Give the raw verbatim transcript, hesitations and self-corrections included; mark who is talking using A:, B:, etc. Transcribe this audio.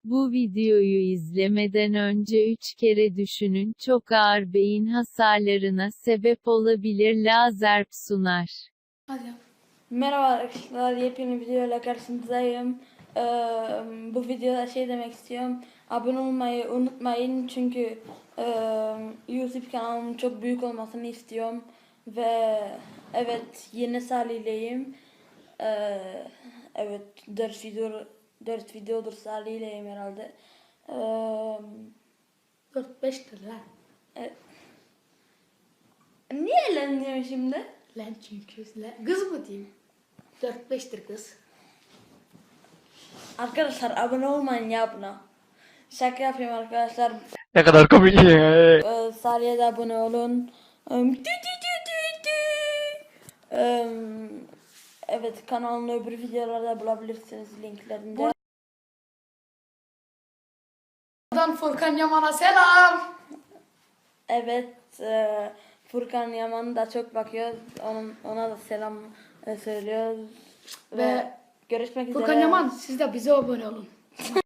A: Bu videoyu izlemeden önce üç kere düşünün, çok ağır beyin hasarlarına sebep olabilir. Lazerp sunar.
B: Hadi yap. Merhaba arkadaşlar, yepyeni bir videoyla karşınızdayım. Ee, bu videoda şey demek istiyorum. Abone olmayı unutmayın çünkü e, YouTube kanalımın çok büyük olmasını istiyorum. Ve evet, yeni Salih'leyim. Ee, evet, dört video dört videodur Salih'leyim herhalde. Ee,
C: dört beştir lan.
B: e, Niye eğleniyorum şimdi?
C: Lan çünkü lan. Kız mı diyeyim? dört beştir kız.
B: Arkadaşlar abone olmayın ya buna. Şaka yapayım arkadaşlar.
D: Ne kadar komik.
B: Ee, Salih'e de abone olun. Em, tü tü tü tü tü. Em, Evet, kanalın öbür videolarda bulabilirsiniz linklerinde.
C: Buradan Furkan Yaman'a selam.
B: Evet, e, Furkan Yaman da çok bakıyor. Onun, ona da selam e, söylüyoruz. Ve,
C: Ve
B: görüşmek üzere.
C: Furkan Yaman siz de bize abone olun.